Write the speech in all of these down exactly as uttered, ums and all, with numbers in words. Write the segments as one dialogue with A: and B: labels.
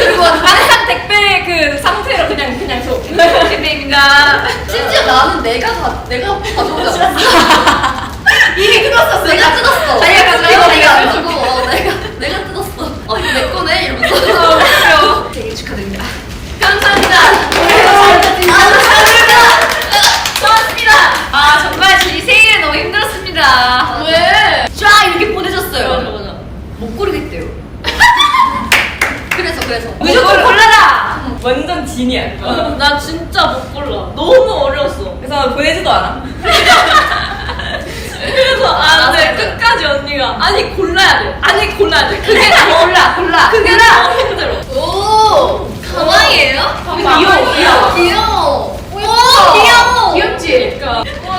A: 그리고 항상 택배 그 상태로 그냥 그냥 줘. 택배입니다.
B: 심지어 나는 내가 다 내가 가져오지 않았어.
A: 이미 뜯었었어.
B: 내가 뜯었어.
A: 자기가 가져가,
B: 이거
A: 자기가
B: 내가 가지고 어, 내가 내가 뜯었어. 어 이거 내 거네 이러면서.
A: 아, 웃겨. 되게 축하드립니다.
B: 감사합니다.
A: 고맙습니다. 아 정말 제 생일에 너무 힘들었습니다.
B: 왜?
A: 쫙 이렇게 보내줬어요.
B: 맞아 맞아.
A: 못 고르겠대요.
B: 그래서 그래서.
A: 무조건 골라라. 완전 진이야.
B: 나 진짜 못 골라. 너무 어려웠어.
A: 그래서 보내지도 않아.
B: 그래서 아, 네 끝까지 언니가 아니 골라야 돼. 아니 골라야 돼. 그게
A: 골라 골라.
B: 그게 너무 힘들어.
A: 오 가방이에요?
B: 가방.
A: 귀여워 귀여워.
B: 귀여워.
A: 오 귀여워.
B: 귀엽지? 그러니까.
A: 와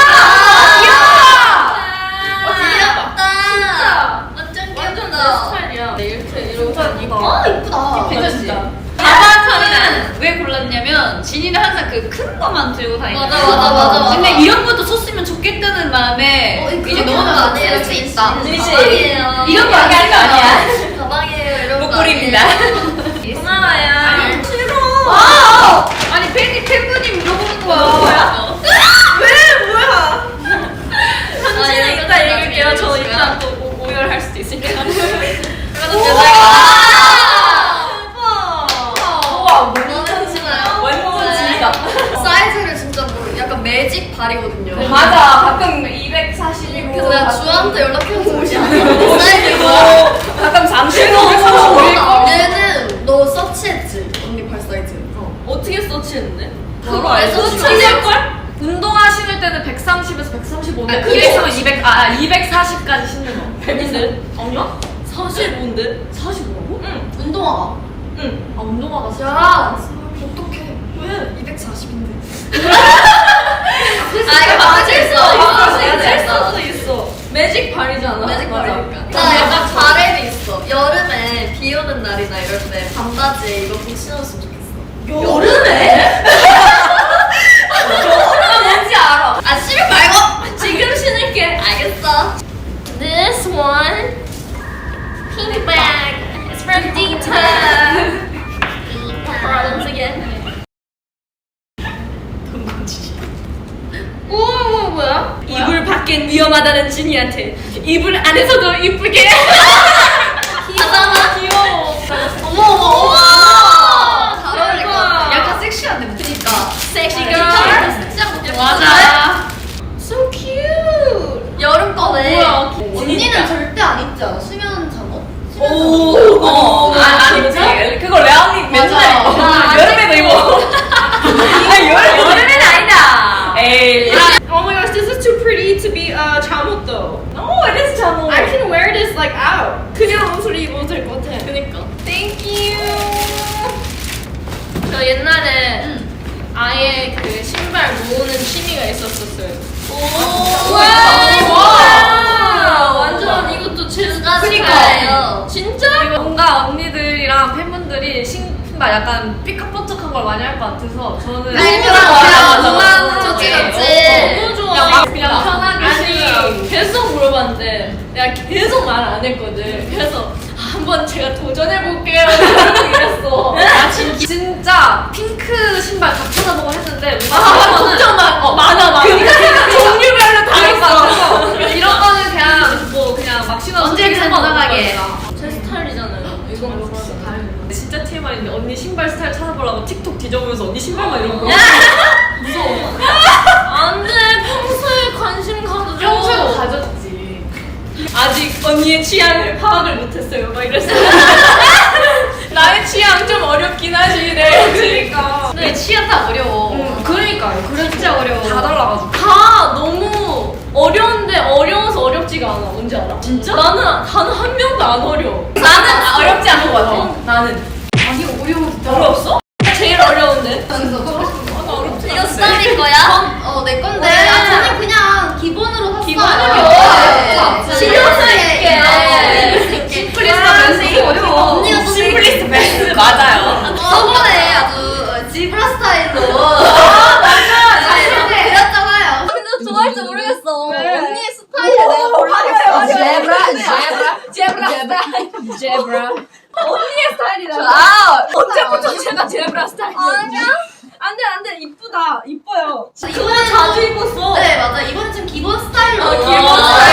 B: 어, 귀엽다.
A: 완전
B: 완전 내 스타일이야. 네, 이렇게 이러고 다니고.
A: 아 이쁘다.
B: 괜찮지?
A: 가방차는 왜 골랐냐면 진이는 항상 그 큰 거만 들고 다니잖아.
B: 맞아, 맞아, 맞아, 맞아.
A: 근데 이런 것도 썼으면 좋겠다는 마음에
B: 어,
A: 이제 너무
B: 아니에요.
A: 쓸 수 있다.
B: 진이 씨.
A: 가방이에요. 이런 거 얘기할 거 아니야.
B: 가방이에요. 이런 거
A: 목걸이입니다.
B: 아니에요. 고마워요.
A: 아니,
B: 싫어.
A: 아! 아니 팬이 팬분이 물어보는 거야.
B: 뭐야?
A: 왜 뭐야?
B: 편지는
A: 아,
B: 이따
A: 이거
B: 읽을게요. 저
A: 나중에
B: 이따 또 오- 오열할 수도 있으니까.
A: 우와
B: 괜찮아요?
A: 완전 진이다.
B: 사이즈를 진짜 모르. 약간 매직 발이거든요.
A: 맞아 가끔 이백사십이고
B: 그래서 내가 주한테 연락해서 뭐지?
A: 오,
B: 사이즈고.
A: 가끔 삼십오,
B: 어, 얘는 너 서치했지? 언니 발 사이즈.
C: 어떻게 서치했는데?
B: 그거
A: 알지?
B: 서치할걸?
C: 운동화 신을 때는 백삼십에서 백삼십오인데
A: 아,
C: 그래서 이백, 아, 이백사십까지 신는 거.
B: 백인데?
C: 아니야?
B: 사십오인데?
C: 사십오라고?
B: 응. 운동화가.
C: 응. 아, 운동화가 사십오.
B: 야, 어떡해.
C: 왜?
B: 이백사십인데.
A: 아 이거 맞을 수
B: 맞을 수
A: 있어.
B: 있어.
C: 수도 있어. 매직 발이잖아.
B: 매직
C: 맞아.
B: 발이니까. 나 약간 바램이 있어. 여름에 비 오는 날이나 이럴 때 반바지에 이거 꼭 신었으면 좋겠어.
C: 여름에?
B: 나 뭔지 알아. 아, 싫어 말고 지금 신을게. 알겠어. This one, pink bag, is from Dita. Problems again. 우와, 우와, 뭐야?
C: 이불 밖엔 위험하다는 진이한테 이불 안에서도 이쁘게.
B: 귀여워.
C: 귀여워.
B: 어머, 어머, 어머. 잘 어울릴 것 같아.
A: 약간 섹시한데 뭐.
B: 그니까. 섹시
C: 아,
B: girl.
C: 진짜.
B: 섹시한 거
C: 맞아.
B: So cute. 여름 거네.
C: 뭐야,
B: 언니는
C: 진짜.
B: 절대 안 입지 않아? 수면 잠옷? 수면
C: 오,
B: 잠옷?
C: 어,
A: 아, 안 입지. 그거 레아님 맨날 입어.
B: 맞아.
A: 여름에도 입어. 아, 여름 여름에는 아니다. 에이.
C: Oh my gosh, this is too pretty to be uh, 잠옷 though.
A: 오, 이래서 잠옷.
C: I can wear this like out. 그냥 옷을 입어도 될 것 같아.
B: 그니까.
C: Thank you. 저 옛날에 아예 그 신발 모으는 취미가 있었었어요.
B: 오.
C: 와,
B: 와.
C: 완전 이것도 제
B: 그니까요.
C: 진짜?
D: 뭔가 언니들이랑 팬분들이 신발 약간 삐까뻔쩍한 걸 많이 할 것 같아서 저는
B: 알죠.
A: 맞아, 맞아.
B: 좋지, 좋지.
C: 너무 좋아.
D: 그냥 막 그냥 편하게
C: 아니
D: 신으라고.
C: 계속 물어봤는데 내가 계속 말 안 했거든. 그래서 한번 제가 도전해 볼게요. 이랬어.
D: 아 진, 진짜 핑크 신발 다 찾아보고 했는데
C: 아, 걱정 마. 어, 많아, 많아. 종류별로 다 있어.
D: 이런 거는 그냥 뭐 그냥 막 신어서
A: 언제든 무난하게.
C: 제 스타일이잖아요. 이건 뭐
D: 다행이네. 진짜 티엠아이인데 언니 신발 스타일 찾아보려고 틱톡 뒤져보면서 언니 신발만 이런 거 무서워.
C: 안 돼. 평소에 관심 가져.
D: 평소에도 가졌지.
C: 아직 언니의 취향을 파악을 못했어요. 막 이랬어요. 나의 취향 좀 어렵긴 하지. 네.
D: 그러니까.
A: 내 취향 다 어려워.
D: 음, 그러니까요. 그래
A: 진짜 어려워.
D: 다 달라가지고.
C: 다 너무 어려운데 어려워서 어렵지가 않아. 뭔지 알아?
D: 진짜?
C: 나는 단 한 명도 안 어려워.
A: 나는 어렵지 않은 것 같아.
C: 어, 나는.
A: 아니 어려워 진짜.
C: 어려웠어? 제일 어려운데.
B: 이거 수담이 거야? 어, 내 건데.
C: 네.
B: 아, 저는 그냥 기본으로 샀어요.
C: 기본으로.
B: 네.
C: 실용성 있게.
B: 네.
A: 심플리스트 베스트 어려워.
B: 언니가 또
A: 심플리스트 베스트 맞아요.
B: 저번에 아주 지브라 스타일로.
A: 맞아.
B: 그렸잖아요. 근데 좋아할지 모르겠어.
C: 왜?
B: 언니의 스타일을 내가 골라봤어.
A: 제브라,
B: 제브라.
A: 제브라, 제브라.
C: 제브라. 언니의 스타일이다.
A: 아,
C: 언제부터 제가 제브라 스타일이에요?
B: 아니야?
C: 안돼 안돼 이쁘다 이뻐요.
B: 이거는
C: 자주 입었어.
B: 네 맞아 이거는 좀 기본 스타일로.
C: 아, 기본
B: 아,
C: 스타일.